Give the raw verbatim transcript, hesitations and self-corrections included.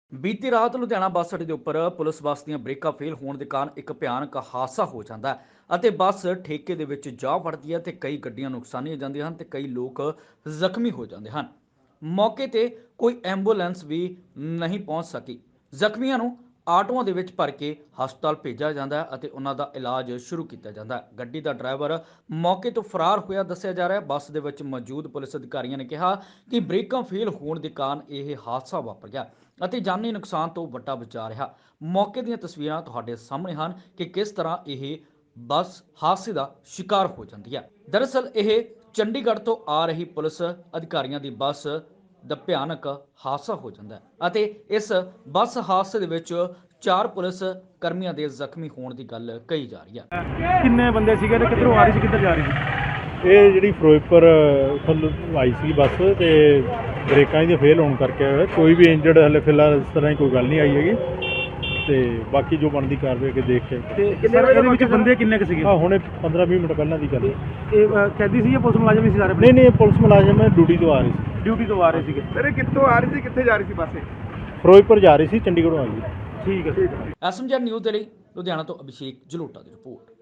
ਬੀਤੀ ਰਾਤ ਲੁਧਿਆਣਾ ਬੱਸ ਅੱਡੇ ਦੇ ਉੱਪਰ ਪੁਲਿਸ ਬੱਸ ਦੀਆਂ ਬ੍ਰੇਕਾਂ ਫੇਲ ਹੋਣ ਦੇ ਕਾਰਨ ਇੱਕ ਭਿਆਨਕ ਹਾਦਸਾ ਹੋ ਜਾਂਦਾ ਹੈ ਅਤੇ ਬੱਸ ਠੇਕੇ ਦੇ ਵਿੱਚ ਜਾ ਵੜਦੀ ਹੈ ਤੇ ਕਈ ਗੱਡੀਆਂ ਨੁਕਸਾਨੀਆਂ ਜਾਂਦੀਆਂ ਹਨ ਤੇ ਕਈ ਲੋਕ ਜ਼ਖਮੀ ਹੋ ਜਾਂਦੇ ਹਨ। ਮੌਕੇ ਤੇ ਕੋਈ ਐਂਬੂਲੈਂਸ ਵੀ ਨਹੀਂ ਪਹੁੰਚ ਸਕੀ। ਜ਼ਖਮੀਆਂ ਨੂੰ ਆਟੋਆਂ ਦੇ ਵਿੱਚ ਭਰ ਕੇ ਹਸਪਤਾਲ ਭੇਜਿਆ ਜਾਂਦਾ ਹੈ ਅਤੇ ਉਹਨਾਂ ਦਾ ਇਲਾਜ ਸ਼ੁਰੂ ਕੀਤਾ ਜਾਂਦਾ ਹੈ। ਗੱਡੀ ਦਾ ਡਰਾਈਵਰ ਮੌਕੇ ਤੋਂ ਫਰਾਰ ਹੋਇਆ ਦੱਸਿਆ ਜਾ ਰਿਹਾ ਹੈ। ਬੱਸ ਦੇ ਵਿੱਚ ਮੌਜੂਦ ਪੁਲਿਸ ਅਧਿਕਾਰੀਆਂ ਨੇ ਕਿਹਾ ਕਿ ਬ੍ਰੇਕਾਂ ਫੇਲ ਹੋਣ ਦੇ ਕਾਰਨ ਇਹ ਹਾਦਸਾ ਵਾਪਰ ਗਿਆ ਅਤੇ ਜਾਨੀ ਨੁਕਸਾਨ ਤੋਂ ਵੱਡਾ ਬਚਾ ਰਿਹਾ। ਮੌਕੇ ਦੀਆਂ ਤਸਵੀਰਾਂ ਤੁਹਾਡੇ ਸਾਹਮਣੇ ਹਨ ਕਿ ਕਿਸ ਤਰ੍ਹਾਂ ਇਹ ਬੱਸ ਹਾਦਸੇ ਦਾ ਸ਼ਿਕਾਰ ਹੋ ਜਾਂਦੀ ਹੈ। ਦਰਅਸਲ ਇਹ ਚੰਡੀਗੜ੍ਹ ਤੋਂ ਆ ਰਹੀ ਪੁਲਿਸ ਅਧਿਕਾਰੀਆਂ ਦੀ ਬੱਸ ਦਾ ਭਿਆਨਕ ਹਾਦਸਾ ਹੋ ਜਾਂਦਾ ਹੈ ਅਤੇ ਇਸ ਬੱਸ ਹਾਦਸੇ ਦੇ ਵਿੱਚ ਚਾਰ ਪੁਲਿਸ ਕਰਮੀਆਂ ਦੇ ਜ਼ਖਮੀ ਹੋਣ ਦੀ ਗੱਲ ਕਹੀ ਜਾ ਰਹੀ ਹੈ। ਕਿੰਨੇ ਬੰਦੇ ਸੀਗੇ ਤੇ ਕਿੱਧਰੋਂ ਆ ਰਹੀ ਸੀ, ਕਿੱਧਰ ਜਾ ਰਹੀ ਸੀ? ਇਹ ਜਿਹੜੀ ਫਿਰੋਜ਼ਪੁਰ ਤੋਂ ਆਈ ਸੀ ਬੱਸ ਤੇ ਬ੍ਰੇਕਾਂ ਇਹਦੀਆਂ ਫੇਲ ਹੋਣ ਕਰਕੇ ਕੋਈ ਵੀ ਇੰਜਰਡ ਹਲੇ ਫਿਲਹਾਲ ਇਸ ਤਰ੍ਹਾਂ ਦੀ ਕੋਈ ਗੱਲ ਨਹੀਂ ਆਈ ਹੈਗੀ ਤੇ ਬਾਕੀ ਜੋ ਬਣਦੀ ਕਾਰਵਾਈ ਅੱਗੇ ਦੇਖ ਕੇ। ਤੇ ਇਹਦੇ ਵਿੱਚ ਬੰਦੇ ਕਿੰਨੇ ਕੁ ਸੀਗੇ? ਹਾਂ ਹੁਣੇ ਪੰਦਰਾਂ ਵੀਹ ਮਿੰਟ ਪਹਿਲਾਂ ਦੀ ਗੱਲ ਹੈ। ਇਹ ਕੈਦੀ ਸੀ ਜਾਂ ਪੁਲਿਸ ਮੁਲਾਜ਼ਮ ਹੀ ਸੀ ਸਾਰੇ? ਨਹੀਂ ਨਹੀਂ ਪੁਲਿਸ ਮੁਲਾਜ਼ਮ ਹੈ, ਡਿਊਟੀ ਤੋਂ ਆ ਰਹੀ ਸੀ। ਡਿਊਟੀ ਤੋਂ ਆ ਰਹੇ ਸੀਗੇ। ਸਰ ਇਹ ਕਿੱਥੋਂ ਆ ਰਹੀ ਸੀ, ਕਿੱਥੇ ਜਾ ਰਹੀ ਸੀ ਬੱਸ? ਫਿਰੋਜ਼ਪੁਰ ਜਾ ਰਹੀ ਸੀ, ਚੰਡੀਗੜ੍ਹੋਂ ਆਈ ਸੀ। ਠੀਕ ਹੈ। ਐਸਐਮਜੀ ਨਿਊਜ਼ ਦੇ ਲਈ ਲੁਧਿਆਣਾ ਤੋਂ ਅਭਿਸ਼ੇਕ ਜਲੋਟਾ ਦੀ ਰਿਪੋਰਟ।